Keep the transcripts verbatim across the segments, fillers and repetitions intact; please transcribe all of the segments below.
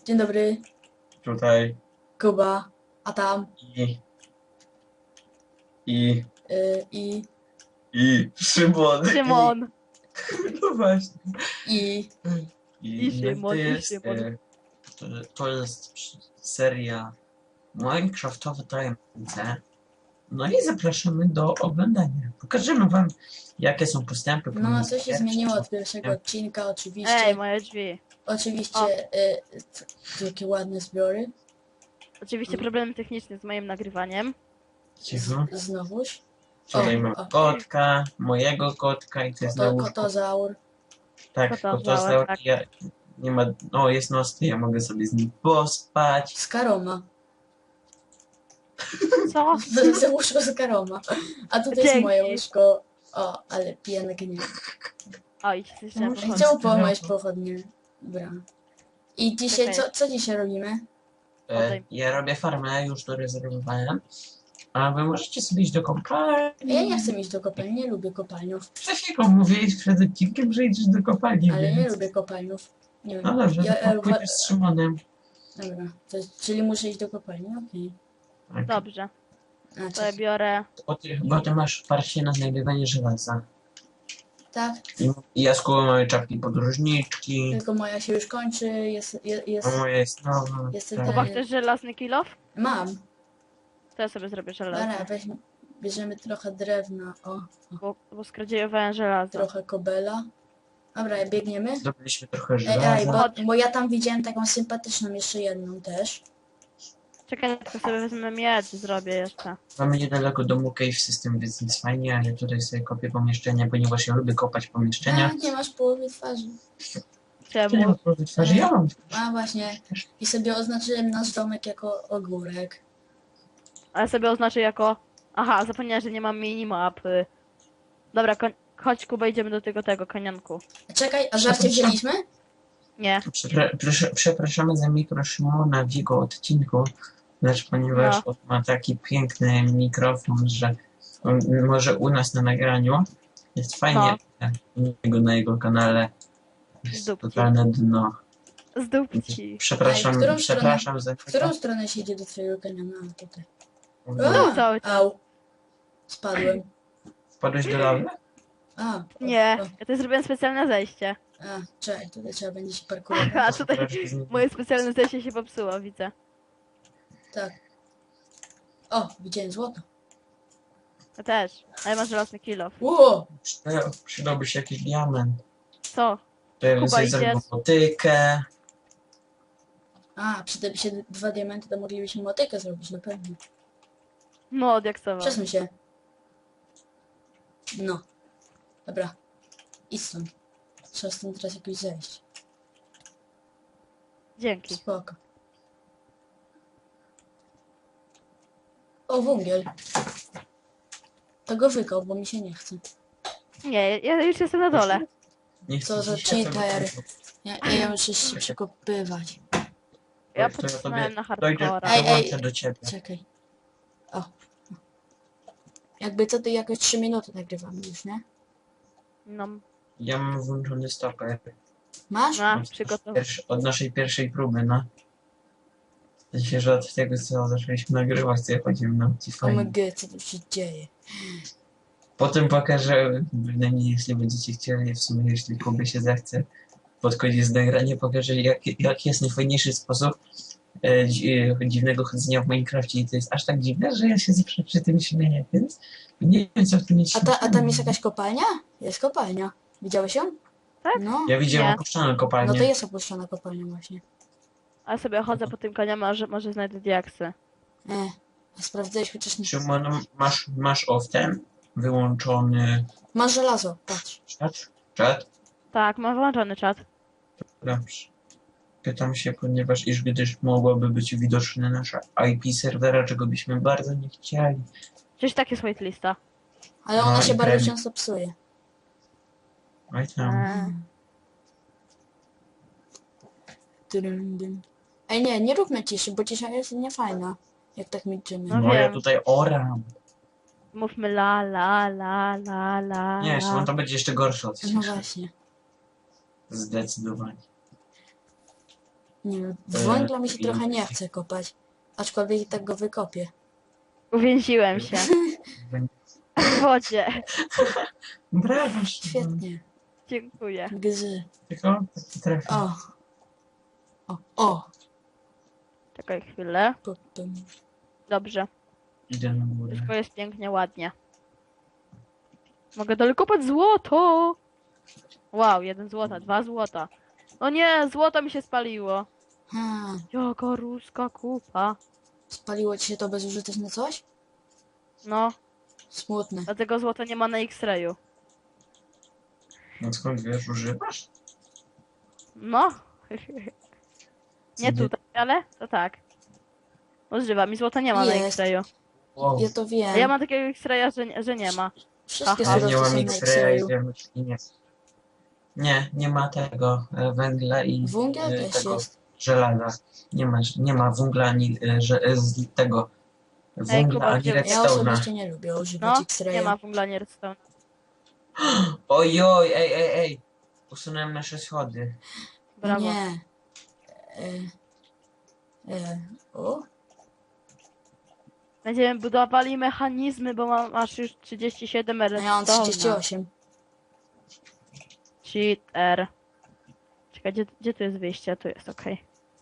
Dzień dobry, Tutaj Kuba, a tam i i y, i i Szymon. Szymon. No właśnie. i I, I no i to Szymon, i jest, Szymon. e, to, to jest seria Minecraftowe tajemnice. No i zapraszamy do oglądania. Pokażemy wam, jakie są postępy. no pomiędzy co się pierwszym- zmieniło od pierwszego odcinka, oczywiście. Ej, moje drzwi. Oczywiście, O. y, t- jakie ładne zbiory. Oczywiście problemy techniczne z moim nagrywaniem. Cicho. Znowuż. Tutaj O, mamy o. kotka, mojego kotka i to jest na To, łóżku. kotozaur. Tak, kotozaur, kotozaur. tak. Ja, nie ma, no jest nocny, ja mogę sobie z nim pospać. Skaroma. Co? Za łóżko Skaroma. A tutaj jest Dzięki. moje łóżko. O, ale pięknie. Oj, coś trzeba No, pochodzić. Chciał połamać pochodnie. Dobra. I dzisiaj, Czekaj. co, co dzisiaj robimy? E, Oddaj. ja robię farmę, już to rezerwowałem. A wy możecie sobie iść do kopalni. Ja nie chcę iść do kopalni, nie lubię kopalniów. Przed chwilą mówiłeś przed odcinkiem, że idziesz do kopalni, Ale więc... nie lubię kopalniów. Nie wiem. No dobrze, Ja, to e, pójdziesz z Szymonem. Dobra, to, czyli muszę iść do kopalni, okej. Tak. Dobrze, A, to ja czekaj. biorę. Bo ty, bo ty masz parcie na znajdywanie żelaza. Tak, I, i ja z Kubą mamy czapki podróżniczki. tylko moja się już kończy, jest, jest, jest A moja jest nowa. Jestem tak. Kuba, Nie. chcesz żelazny kilof? mam. To ja sobie zrobię Dobra, żelazny. weźmy, bierzemy trochę drewna, o, Bo, bo skradziejowałem żelazo. trochę kobela. Dobra, biegniemy. Zdobyliśmy trochę Ej, żelaza. ej, bo, Chodź. bo ja tam widziałem taką sympatyczną jeszcze jedną też. Czekaj, tylko sobie wezmę miecz, zrobię jeszcze. Mamy niedaleko domu cave system, więc jest fajnie, ale tutaj sobie kopię pomieszczenia, ponieważ ja lubię kopać pomieszczenia. A, nie masz połowy twarzy. Ty nie Czemu? masz połowy twarzy, ja mam. A właśnie, i sobie oznaczyłem nasz domek jako ogórek. Ale sobie oznaczę jako... Aha, zapomniałem, że nie mam minimapy. Dobra, koń... chodź Kuba, idziemy do tego, tego kanianku. Czekaj, a żarcie wzięliśmy? Nie. Przepra- proszę- Przepraszamy za mikro Szymona w jego odcinku, lecz ponieważ No. on ma taki piękny mikrofon, że on może u nas na nagraniu jest fajnie, a u niego na jego kanale jest Dupki. totalne dno. Z dupci. Przepraszam, Ej, w którą przepraszam za W którą stronę się idzie do twojego kanionu? A, tutaj. No, A, cały au. Spadłem. Wpadłeś do lawy? A, Nie, o, ja tutaj zrobiłem specjalne zejście. a, czekaj, tutaj trzeba będzie się parkurować. A tutaj Troszkę z- moje specjalne zejście się popsuło, widzę. Tak. O, widziałem złoto. Ja też, ale masz żelazny kilof. Ło! Przyda- Przydałby się jakiś diament. Co? To ja bym Kuba, sobie idziesz? zrobił motykę. A, przydałyby się dwa diamenty, to moglibyśmy motykę zrobić, na pewno. No, odjaksował. Przesuń się. No. Dobra. Idź stąd. Trzeba stąd teraz jakoś zejść. Dzięki. Spoko. O, węgiel. To go wykop, bo mi się nie chce. Nie, ja już jestem na dole. Nie Co chcę za dzisiaj cheater. sobie- Ja, ja muszę się przekopywać. Ja To ja pocisnąłem tobie na dojdę, hardcora. Ej, ej. dołączę do ciebie. Czekaj. O. Jakby co, to jakoś trzy minuty nagrywamy już, nie? No, Ja mam włączony stoper. Masz? no, Od, przygotow... pierwszy, od naszej pierwszej próby, no. W sensie, że od tego, co zaczęliśmy nagrywać, to ja chodziłem na ci O fajnie. my god, co tu się dzieje? Potem pokażę, bynajmniej jeśli będziecie chcieli, w sumie jeśli Kubie się zechce, pod koniec nagrania pokażę, jak, jak jest najfajniejszy sposób e, dzi, dziwnego chodzenia w Minecrafcie. I to jest aż tak dziwne, że ja się zawsze przy tym śmieję, więc nie wiem, co w tym jest A, ta, a tam śmiesznego. jest jakaś kopalnia? Jest kopalnia. Widziałeś ją? Tak? No. Ja widziałem Nie. opuszczoną kopalnię. No to jest opuszczona kopalnia właśnie. A sobie chodzę po tym koniu, może, może znajdę diaksy. E, a sprawdzałeś chociaż nie. Szymon, masz, masz off ten wyłączony Masz żelazo, patrz. czat? Czat? Tak, mam włączony czat. Dobrze. Pytam się, ponieważ iż gdyż mogłoby być widoczne nasze I P serwera, czego byśmy bardzo nie chcieli. Przecież tak jest whitelista. Ale ona No się i bardzo pewnie. często psuje. Oj tam. Eee. Dym, dym. Ej nie, nie róbmy ciszy, bo cisza jest niefajna. Jak tak milczymy. No No ja wiem. tutaj oram. Mówmy la, la, la, la, la, Nie, la. Szymon, to będzie jeszcze gorsze od No ciszy. właśnie. Zdecydowanie. Nie wiem, E, węgla mi się i- trochę nie chce kopać. Aczkolwiek i tak go wykopię. Uwięziłem się. W wodzie. Brawo, Szymon. Świetnie. Dziękuję. Gzy. Tylko trafię. O. O, o. Czekaj chwilę. Potem. Dobrze. Idę na górę. Wszystko jest pięknie, ładnie. Mogę dalej kopać złoto! Wow, jeden złota, dwa złota. O nie, złoto mi się spaliło. Hmm. Jaka ruska kupa. Spaliło ci się to bezużyteczne coś? No, Smutne. dlatego złota nie ma na X-rayu. No skąd wiesz, używasz? No. Nie Gdzie- tutaj, ale to tak. Używam i złota nie ma na Jest. X-rayu. Wow. Ja to wiem. A ja mam takiego X-raya, że, nie- że nie ma. Wszystkie Aha. Ja nie surowce mam są na X-raya i X-rayu. wiem, i nie. Nie, nie ma tego e, węgla i Węgiel e, też tego jest. żelaza. Nie ma, nie ma węgla ani e, że, e, z tego węgla Kuba, ani gdzie- Ja redstone'a. osobiście nie lubię używać No, nie X-raya. ma węgla, nie redstone. Ojoj, ej, ej, ej. Usunąłem nasze schody. Brawo. Nie. E, e, o? Będziemy budowali mechanizmy, bo mam aż już trzydzieści siedem A ja mam redstone'a. trzydzieści osiem. Cheater. Czekaj, gdzie, gdzie tu jest wyjście? Tu jest, okej.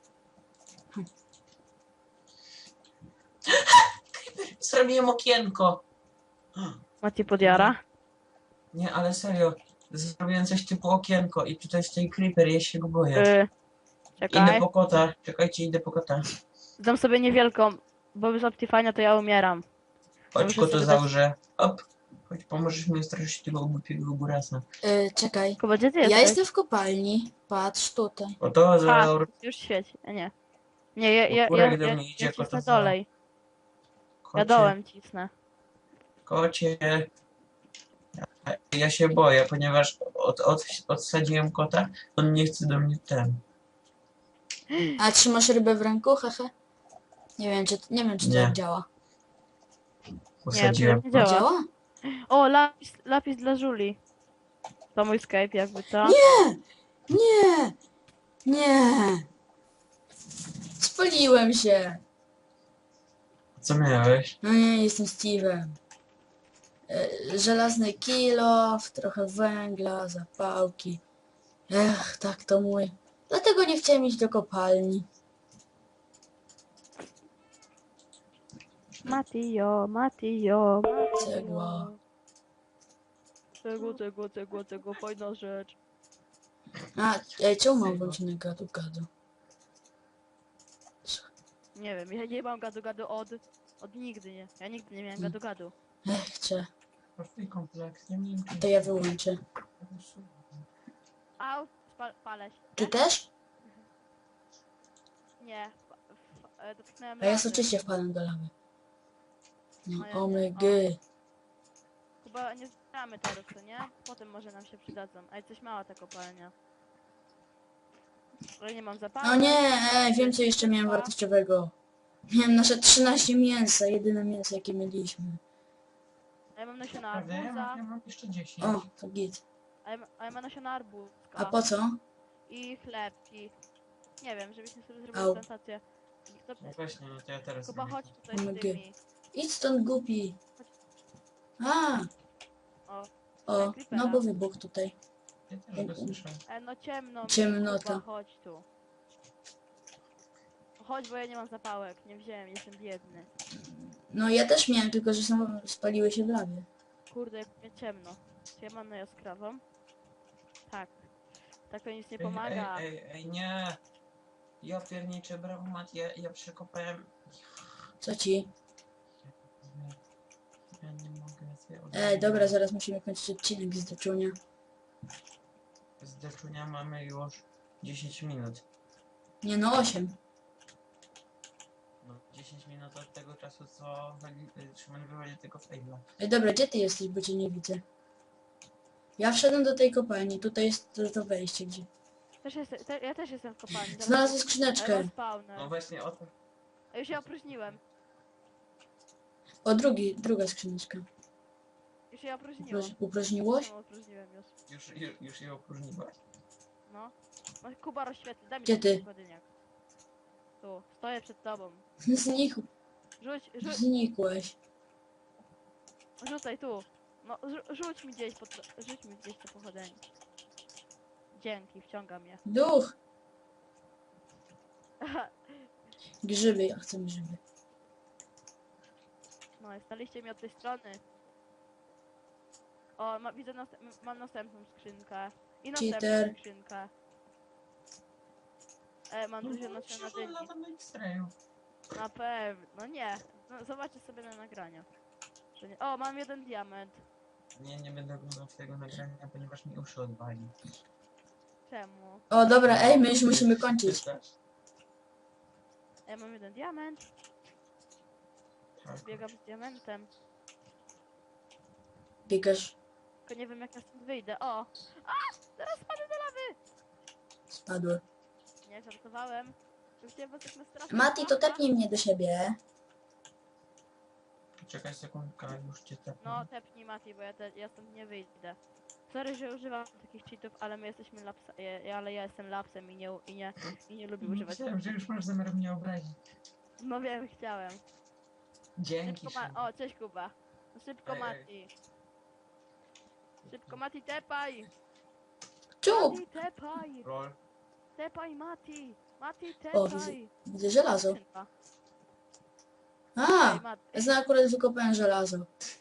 Zrobiłem okienko. Mati podjara. Nie, ale serio. Zrobiłem coś typu okienko i tutaj stoi creeper, ja się go boję. Y, Idę czekaj. po kota. Czekajcie, idę po kota. Dam sobie niewielką, bo bez Optifania to ja umieram. Chodź, Muszę kotu sobie dać- założę. Op. Chodź, pomożesz mi straszyć tego głupiego górasa. E, czekaj. Kuba, gdzie ty Ja jesteś? jestem w kopalni. Patrz tutaj. Oto A, zaor... już świeci. A nie. Nie, ja, ja, ja, Kurek do ja, mnie idzie, ja cisnę kota za- dolej. Ja Kocie, dołem cisnę. kocie. Ja, ja się boję, ponieważ od, od, odsadziłem kota, on nie chce do mnie ten. A trzymasz rybę w ręku? Hehe. Nie wiem, czy, nie wiem, czy to Nie. tak działa. Usadziłem nie kota. działa. Działa? O, lapis, lapis dla Żuli. To mój Skype, jakby co? Nie! Nie! Nie! Spaliłem się! Co miałeś? No nie, jestem Steve'em. E, Żelazny kilof, trochę węgla, zapałki. Ech, tak to mój. Dlatego nie chciałem iść do kopalni. Matio, Matio, Matio. Cegła. Cegło, cegło, cegło, cegło, fajna rzecz. A, ej, czemu mam włączony gadu gadu? Nie wiem, ja nie mam gadu gadu od... od nigdy, nie. Ja nigdy nie miałem Hmm. gadu gadu. Ech, chcę. Prosty kompleks, nie wiem To ja wyłączę. Au, spal, palę się. Ty też? Nie, w, w, e, dotknąłem A ja lawy. oczywiście wpadłem do lawy. O ja No, nie. omygy. Chyba nie zbieramy teraz, co nie? Potem może nam się przydadzą. Ej, coś mała ta kopalnia. Ale nie mam zapału. No nie, ej, wiem co jeszcze miałem wartościowego. Miałem nasze trzynaście mięsa, jedyne mięso jakie mieliśmy. A ja mam nasiona Prawda? Ja arbuza. mam, ja mam jeszcze dziesięć. O, to git. A ja, ma- a ja mam nasiona arbuzka. A po co? I chlebki. Nie wiem, żebyśmy sobie Au. zrobili plantację. To, No właśnie, no to ja teraz Kuba, zrobię. chodź tutaj z Omg. tymi. Idź stąd głupi. A, O, o, no bo wybuch tutaj. Ja też go słyszę. e, no ciemno mi, Ciemnota. Kuba, chodź tu. Chodź, bo ja nie mam zapałek. Nie wziąłem, jestem biedny. No ja też miałem, tylko że są, spaliły się w lawie. Kurde, jak mnie ciemno. Czy ja mam na jaskrawą? Tak. Tak to nic nie Ej, pomaga. Ej, ej, ej, nie! Ja pierniczę, brawo Mat, ja, ja przekopałem... Co ci? Ja nie mogę sobie Ej, dobra, zaraz musimy kończyć odcinek z doczunia. Z deczunia mamy już dziesięć minut. Nie no, osiem. No, dziesięć minut od tego czasu, co wali- Szymon wywozi tego faila. Ej, dobra, gdzie ty jesteś, bo cię nie widzę. Ja wszedłem do tej kopalni, tutaj jest to, to wejście, gdzie... Też jest, te, ja też jestem w kopalni. Zaraz- Znalazłem Ale skrzyneczkę. spawner. No właśnie o to. A już się opróżniłem. O, drugi, druga skrzyneczka. Już się opróżniłem. Uproś, uprośniłoś? No, opróżniłem już. Już, już, już je opróżniłaś? No. No, Kuba rozświetli, daj mi Gdzie ten ty? składyniak. Tu, stoję przed tobą. Znikł, Rzuć, rzuć, znikłeś. rzucaj tu. No, rzu- rzuć mi gdzieś, pod, rzuć mi gdzieś to pochodzenie. Dzięki, wciągam je. Duch! Grzyby, ja chcę grzyby. No i staliście mi od tej strony. O, ma, widzę, nast mam następną skrzynkę. I następną Cheater. skrzynkę. E, mam dużo nasiona dyni. latam ekstrajów. Na pewno, no nie. No, zobaczcie sobie na nagrania. Że nie. O, mam jeden diament. Nie, nie będę oglądał tego nagrania, ponieważ mi uszy odwali. Czemu? O, dobra, ej, my już musimy kończyć. Czytasz? Ja mam jeden diament. Tak. Biegam z diamentem. Biegasz, Tylko nie wiem jak ja stąd wyjdę. O! A! Teraz spadł do lawy! spadły. Nie, żartowałem. Że chciałem was tak nastraszyć. Mati, to tepnij mnie do siebie. Czekaj sekundkę, już cię tepnę. No, tepnij Mati, bo ja, te, ja stąd nie wyjdę. Sorry, że używam takich cheatów, ale my jesteśmy lapsa, ja, ale ja jestem lapsem i nie, i nie, i nie lubię używać. Myślałem, że już masz zamiar mnie obrazić. No wiem, chciałem. Dzięki. Szybko Ma Szymon. o, cześć Kuba. No szybko Ej, ej. Mati. Szybko Mati, tepaj! Czub! Mati, tepaj! Roll. Tepaj Mati! Mati, O, widzę, tepaj! widzę żelazo. Skrzynka. A, Ej, Mati. ja akurat wykopałem żelazo.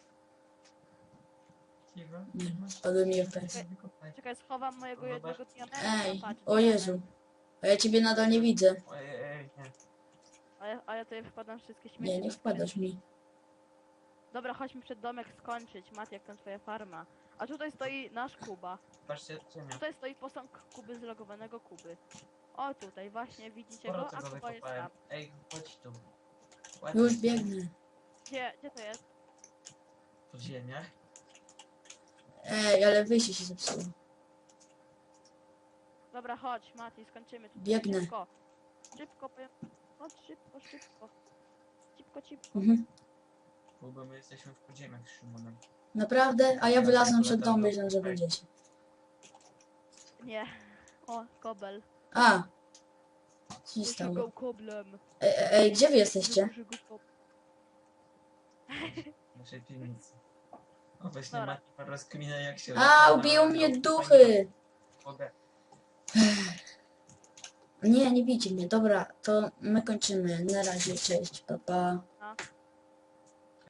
Cicho. Nie, cicho. spadły mi F P S. Wykopaj. Czekaj, schowam mojego Zobacz. jednego diamenta. Ej, patrz, o diament. Jezu. A ja ciebie nadal nie widzę. Ojej, ej, nie. A ja, a ja tutaj wkładam wszystkie śmieci. Nie, nie do wpadasz skrzynki. mi. Dobra, chodźmy przed domek skończyć. Mati, jak tam twoja farma. A tutaj stoi nasz Kuba. Patrzcie, ziemia. Tutaj stoi posąg Kuby, zlogowanego Kuby. O, tutaj właśnie, widzicie Sporo go? A tego Kuba jest wykopałem. tam. Ej, chodź tu. Ładnie. Już biegnę. Gdzie, gdzie to jest? W ziemiach. Ej, ale wyjście się zepsuło. Dobra, chodź, Mati, skończymy tutaj. Biegnę. Szybko. Szybko, powiem. Chodź, szybko, szybko. Szybko, szybko. Mhm. Bo my jesteśmy w podziemiach z Szymonem. Naprawdę? A ja wylazłem przed dom, myślałem, że będziecie. Nie. O, kobel. A! Co się Muszę stało? go koblem. Ej, ej, ej, gdzie wy jesteście? Muszę go kob- W naszej piwnicy. O, właśnie Dobra. Mati rozkmina jak się... A, ubiją mnie duchy! Mogę. Nie, nie bijcie mnie. Dobra, to my kończymy. Na razie, cześć, pa pa.